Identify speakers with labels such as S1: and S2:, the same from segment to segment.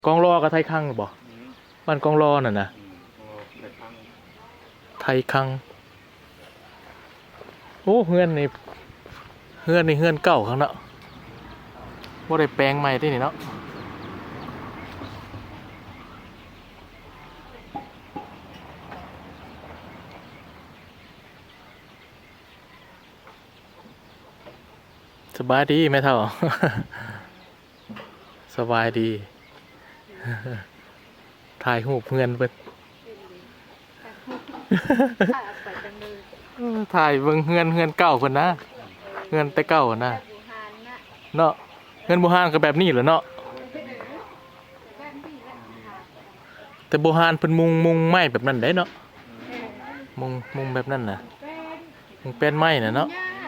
S1: กองรอกับไทยคังบ่บ้านกองรอน่ะนะไทยคังโอ้เฮือนนี่เฮือนเก่าข้างเนาะบ่ได้แปลงใหม่ที่นี่เนาะสบายดีแม่เฒ่า สบายดี ถ่ายรูปเฮือนเพิ่น ถ่ายเบิ่งเฮือนเก่าเพิ่นนะเฮือนแต่เก่านะเนาะเฮือนโบราณก็แบบนี้แหละเนาะแต่โบราณเพิ่นมุงไม้แบบนั้นได้เนาะมุงแบบนั้นน่ะมุงเป็นไม้น่ะเนาะ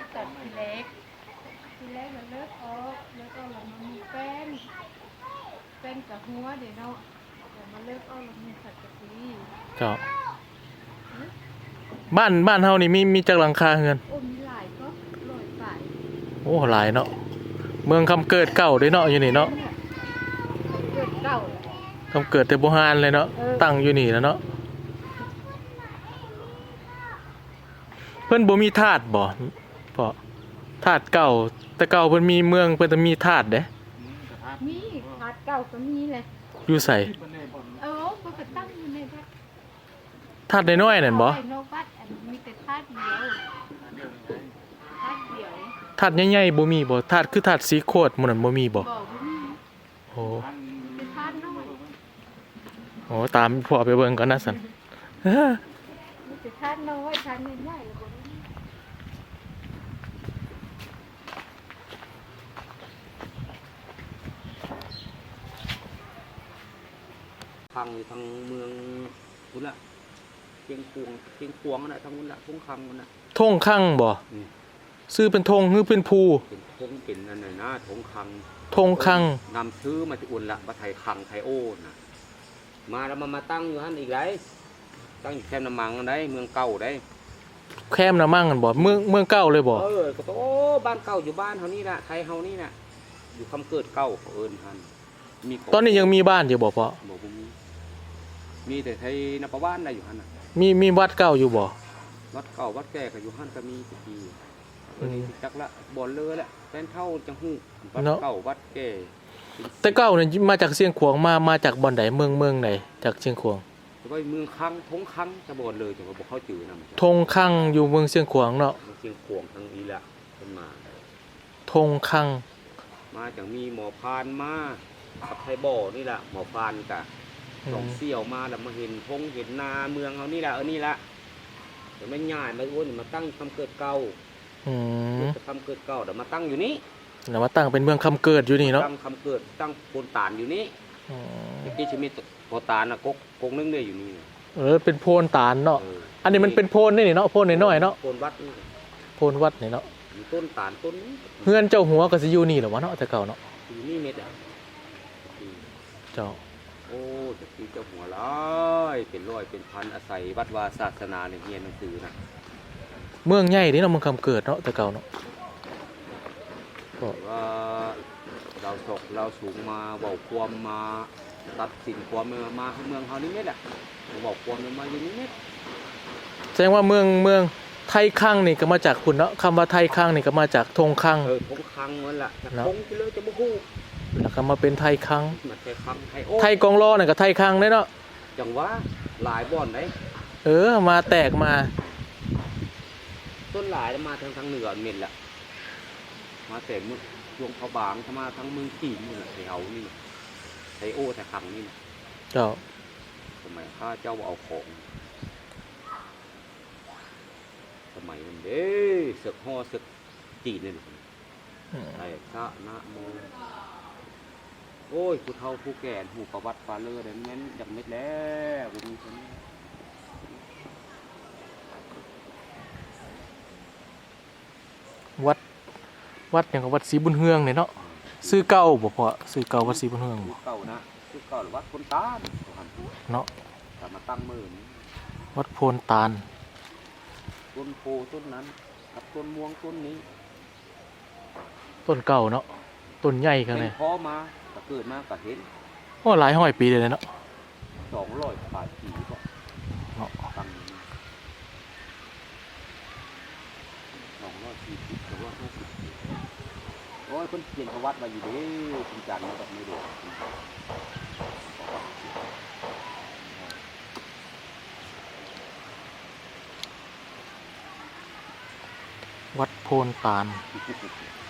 S2: เป็นกับหัวเดี๋ยวเนาะเดี๋ยวมาเลิกเอาลงมือขัดกะทิ
S1: เจ้าบ้านเฮานี่มีจักหลังคาเฮือน
S2: โอ้มีหลายก็ลอยไป
S1: โอ้หลายเนาะเมืองคำเกิดเก่าเด้เนาะอยู่นี่เนาะ
S2: เกิดเก่า
S1: คำเกิดแต่โบราณเลยเนาะตั้งอยู่นี่แล้วเนาะเพิ่นบ่มีธาตุบ่เพราะธาตุเก่าแต่เก่าเพิ่นมีเมืองเพิ่นจะมีธาตุเด้
S2: มีขาดเก่าก็มีเลย
S1: อยู่ไส
S2: ก็กระตั้งอยู่ในวัด
S1: ธาตุน้อยๆนั่นบ่
S2: ในวัดอันมีแต่ธาตุเดียวธาตุเดียว
S1: ธาตุใหญ่ๆบ่มีบ่ธาตุคือธาตุสีโคตรหมู่นั้นบ่มีบ่
S2: บอกว่ามี
S1: โอ้
S2: เป็นธาตุน้อย
S1: โอ้ตามพ่อไปเบิ่งก่อนนะซั่น
S2: มีแต่ธาตุน้อยธาตุใหญ่ๆแล้วบ่มี
S3: ทางอยู่ทางเมืองพุนละเชียงขวงน่ะทางพุนละทุ่งคังมันน่ะ
S1: ธงคั่งบ่ซื้อเป็นธงหรือเป็นภู
S3: เป็นทงเป็นอันไหนนะทงคัง
S1: ธงคั่ง
S3: นำซื้อมาที่อุ่นละมาไทยคังไทยโอ้น่ะมาแล้วมาตั้งอยู่ฮั่นอีกไรตั้งอยู่แคมป์น้ำมังอันใดเมืองเก่าได้
S1: แคมน่ะมั่งกันบ่เมืองเก่าเลยบ่
S3: ก็โอ้บ้านเก่าอยู่บ้านเฮานี่น่ะไทยเฮานี่น่ะอยู่คำเกิดเก่าเขาเอิ้นฮั่นมีของ
S1: ตอนนี้ยังมีบ้านอยู่บ่พ่อ
S3: บ่มีแต่ไทยนปบ้านน่ะอยู่หั่นน่ะ
S1: มีวัดเก่าอยู่บ่
S3: วัดเก่าวัดแก่ก็อยู่หั่นก็มีทุกทีจักละบ่อนเลยละแฟนเท่าจังฮู้วัดเก่าวัดแก่
S1: แต่เก่านี่มาจากเชียงขวางมาจากบ่อนใดเมืองไหนจากเชียงขวาง
S3: แต่ว่าเมืองคังทงคังจะบ่อนเลยแต่ว่าบ่เข้าจื่อนำ
S1: ธงคั่งอยู่เมืองเชียงขวางเนาะ
S3: เชียงขวงทางอีละเพิ่นมา
S1: ธงคั่ง
S3: มาจังมีหมอพานมากับไทบ่อนี่ล่ะหมอพานกะสองเสี่ยวมาแล้วมาเห็นทงเห็นนาเมืองเฮานี่ล่ะนี่ล่ะแต่มันย้ายมาโอ้นี่มาตั้งคำเกิดเก่า
S1: อืม
S3: คำเกิดเก่าเดี๋ยวมาตั้งอยู่นี้
S1: แล้วมาตั้งเป็นเมืองคำเกิดอยู่นี่เนาะ
S3: ตั้งคำเกิดตั้งโพนตานอยู่นี้
S1: อืม
S3: เมื่อกี้จะมีโพนตานน่ะกกนึงเนี่ยอยู่นี่น่ะ
S1: เป็นโพนตาลเนาะ
S3: เออ
S1: อันนี้มันเป็นโพนนี่เนาะโพนน้อยๆเนาะ
S3: โพนวัดนี่
S1: โพนวัดนี่เนาะ
S3: มีต้นตาลต้นนี้
S1: เฮือนเจ้าหัวก็สิอยู่นี่แหละวะเนาะแต่เก่าเนาะ
S3: อยู่นี่เม็ดอ่ะ
S1: เจ้า
S3: โอ้จะตีเจ้าหัวร้อยเป็นร้อยเป็นพันอาศัยวัดวาศาสนาเนี่ยเรียนหนังสือนะ
S1: เมืองใหญ่นี่เนาะเมืองคำเกิดเนาะแต่เก่าเนาะก็
S3: ว่าเราศกเราสูงมาบอกความมาตัดสินความมาเมืองเขานี่เม็ดอ่ะบอกความมาอยู่นี่เม็ด
S1: แสดงว่าเมืองไทยคังนี่ก็มาจากคุณเนาะคำว่าไทยคังนี่ก็มาจากธงคัง
S3: ทงคังนั่นแหละทงที่เลยจะมาฮู้
S1: แล้วก็มาเป็นไทยคัง
S3: มาไทยคังไทยโอ้
S1: ไทยกองรอนี่ก็ไทยคังได้เนาะ
S3: จังว่าหลายบ่อนไหน
S1: มาแตกมา
S3: ต้นหลายมาทางเหนือเม็ดแหละมาแต่เมืองช่วงเขาบางมาทางเมืองจีนนี่แหละไทยเอานี่ไทยโอ้ไทยคังนี่
S1: เจ้า
S3: สมัยข้าเจ้าเอาของสมัยนั้นเด้ศึกห่อศึกจีนนี่ไอ้พระนะโมโอ้ยผู้เฒ่าผู้แก่หูประวัติฟาเลอร์เด่นแม่นจักเม็ดแล้วบ่มีคน
S1: วัดอย่างกับวัดศรีบุญเฮืองนี่เนาะซื้อเก่าบ่พอซื้อเก่าวัดศรีบุญเฮืองบ่
S3: เก่านะคือเก่าหรือวัดคนตาล
S1: เนาะ
S3: แต่มาตั้งมือนี้
S1: วัดโพนตาล
S3: ต้นโพต้นนั้นกับต้นม่วงต้นนี้
S1: ต้นเก่าเนาะต้นใหญ่ขนาด
S3: เป็
S1: นี้
S3: นพ่อมาก็เกิดมาก็เห็น
S1: โอ้หลายห้อยปีเลยเนาะ
S3: 200 ปลายปีก็
S1: เนาะ
S3: ตั้ง240 250ปีโอ้ยคนเขียนประวัติมาอยู่เด้จริงจังมาแบบนี้เด้ประวัติ
S1: วัดโพนตาล